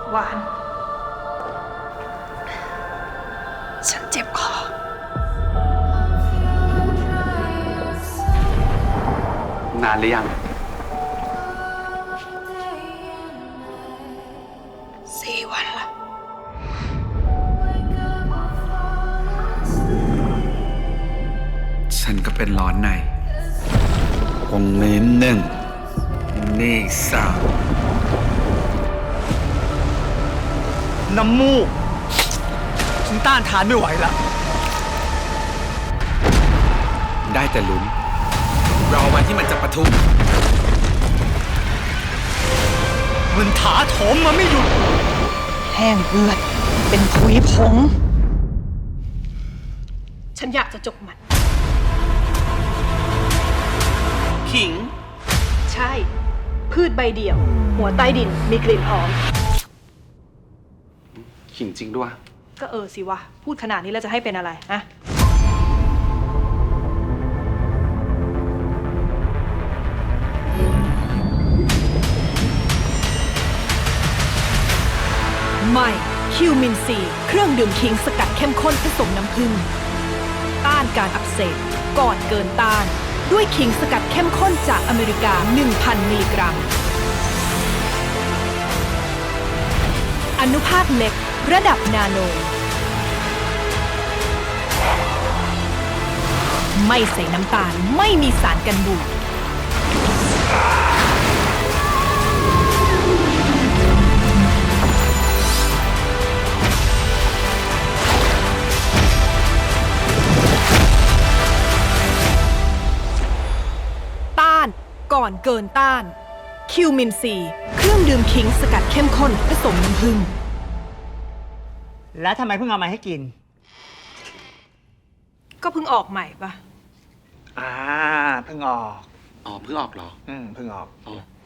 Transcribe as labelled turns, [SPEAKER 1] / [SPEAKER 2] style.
[SPEAKER 1] หวาน ฉันเจ็บคอ
[SPEAKER 2] นานหรือยัง
[SPEAKER 1] 4 วันละ
[SPEAKER 2] ฉันก็เป็นร้อนในวงเล็บหนึ่งนี่สาม
[SPEAKER 3] น้ำมูกฉันต้านทานไม่ไหวละ
[SPEAKER 2] ได้แต่ลุ้นรอวันที่มันจะปะทุ
[SPEAKER 3] มันถาโถมมาไม่หยุด
[SPEAKER 1] แห้งเลือด เป็นผุยผง ฉันอยากจะจกมัน
[SPEAKER 2] ขิง
[SPEAKER 1] ใช่ พืชใบเดี่ยว หัวใต้ดินมีกลิ่นหอม
[SPEAKER 2] ขิงจริงด้วย
[SPEAKER 1] ก็สิวะ พูดขนาดนี้แล้วจะให้เป็นอะไรฮะ ใหม่ คิวมินซี เครื่องดื่มคิงสกัดเข้มข้นผสมน้ำผึ้งต้านการอักเสบก่อนเกินต้าน ด้วยคิงสกัดเข้มข้นจากอเมริกา 1,000 มิลลิกรัม อนุภาคเล็ก ระดับนาโน ไม่ใส่น้ำตาล ไม่มีสารกันบูดต้านก่อนเกินต้าน คิวมินซี เครื่องดื่มขิงสกัดเข้มข้นผสมน้ำผึ้ง
[SPEAKER 3] แล้วทำไมเพิ่งเอามาให้กิน
[SPEAKER 1] ก็เพิ่งออกใหม่ปะ
[SPEAKER 3] เพิ่งออก
[SPEAKER 2] อ๋อ เพิ่งออกเหรอ
[SPEAKER 3] เพิ่งออก
[SPEAKER 2] อ๋อ